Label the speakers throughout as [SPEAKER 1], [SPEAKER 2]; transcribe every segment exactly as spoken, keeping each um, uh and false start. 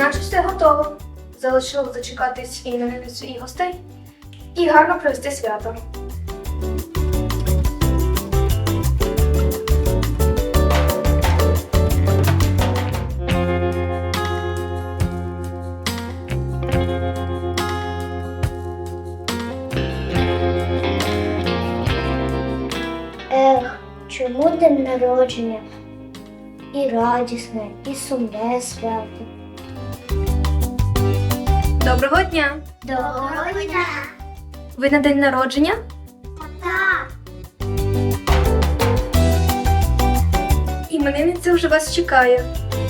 [SPEAKER 1] Значить, все готово. Залишилось зачекатись іменинницю і гостей і гарно провести свято.
[SPEAKER 2] Ех, чому день народження? І радісне, і сумне свято.
[SPEAKER 1] Доброго дня!
[SPEAKER 2] Доброго дня!
[SPEAKER 1] Ви на день народження?
[SPEAKER 2] Так.
[SPEAKER 1] Іменинниця вже вас чекає.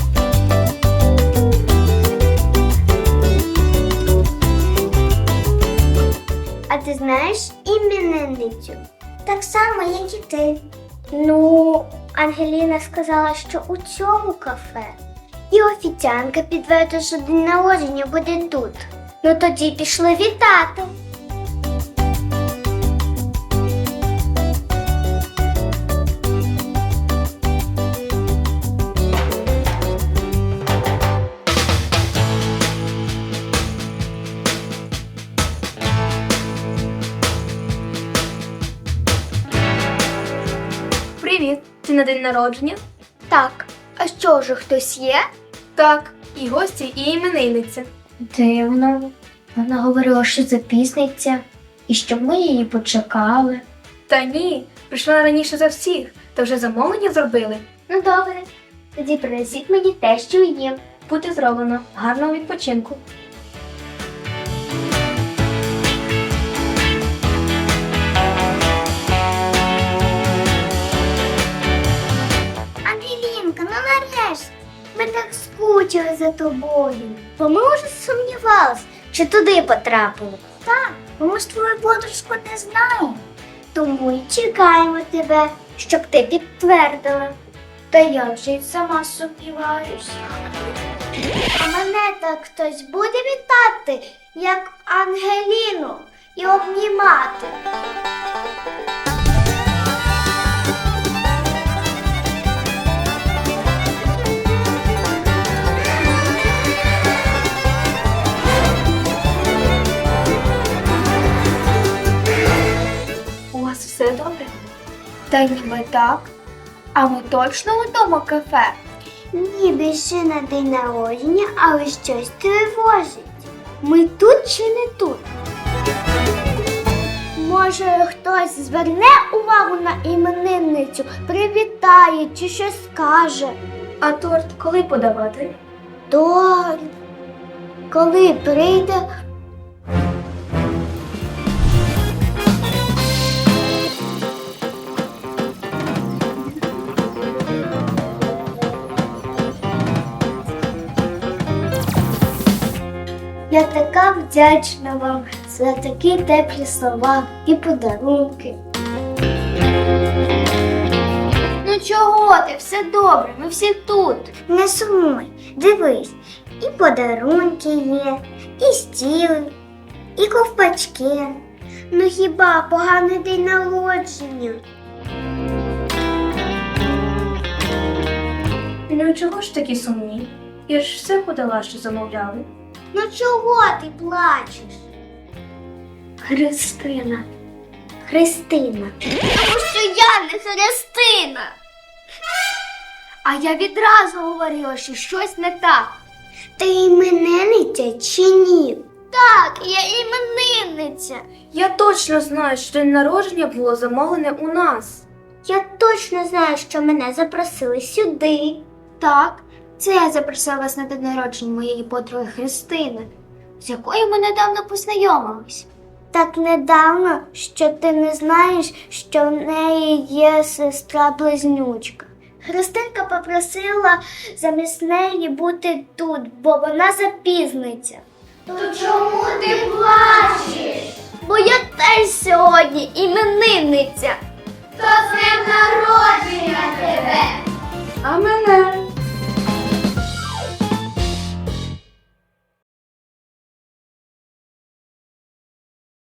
[SPEAKER 2] А ти знаєш іменинницю? Так само, як і ти. Ну, Ангеліна сказала, що у цьому кафе. І офіціантка підтвердила, що день народження буде тут. Ну тоді пішли вітати.
[SPEAKER 1] Привіт! Ти на день народження?
[SPEAKER 2] Так, а що, вже хтось є?
[SPEAKER 1] Так, і гості, і іменинниця.
[SPEAKER 2] Дивно. Вона говорила, що запізниться, і що ми її почекали.
[SPEAKER 1] Та ні, прийшла раніше за всіх, та вже замовлення зробили.
[SPEAKER 2] Ну добре, тоді принесіть мені те, що їм.
[SPEAKER 1] Буде зроблено. Гарного відпочинку.
[SPEAKER 2] Ангелінка, ну нарешті, ми так скучили за тобою. Бо ми вже сумнівалися, чи туди потрапили. Так, бо ми ж твою подружку не знаємо. Тому й чекаємо тебе, щоб ти підтвердила. Та я вже й сама сумніваюся. А мене так хтось буде вітати, як Ангеліну, і обнімати.
[SPEAKER 1] У вас все добре?
[SPEAKER 2] Та ніби так. А ми точно у тому кафе? Ні, більше на день народження, але щось тривожить. Ми тут чи не тут? Може, хтось зверне увагу на іменинницю, привітає чи щось скаже.
[SPEAKER 1] А торт коли подавати?
[SPEAKER 2] Торт. Коли прийде. Я така вдячна вам за такі теплі слова і подарунки. Ну чого ти? Все добре, ми всі тут. Не сумуй, дивись, і подарунки є, і стіли, і ковпачки. Ну хіба поганий день народження?
[SPEAKER 1] Ну чого ж такі сумні? Я ж все подала, що замовляли.
[SPEAKER 2] Ну чого ти плачеш? Христина. Христина. Тому що я не Христина. А я відразу говорила, що щось не так. Ти іменинниця чи ні? Так, я іменинниця.
[SPEAKER 1] Я точно знаю, що день народження було замовлене у нас.
[SPEAKER 2] Я точно знаю, що мене запросили сюди. Так, це я запросила вас на день народження моєї подруги Христини, з якою ми недавно познайомились. Так недавно, що ти не знаєш, що в неї є сестра-близнючка. Христинка попросила замість неї бути тут, бо вона запізниться. То чому ти плачеш? Бо я теж сьогодні іменинниця. То з днем народження тебе!
[SPEAKER 1] А мене?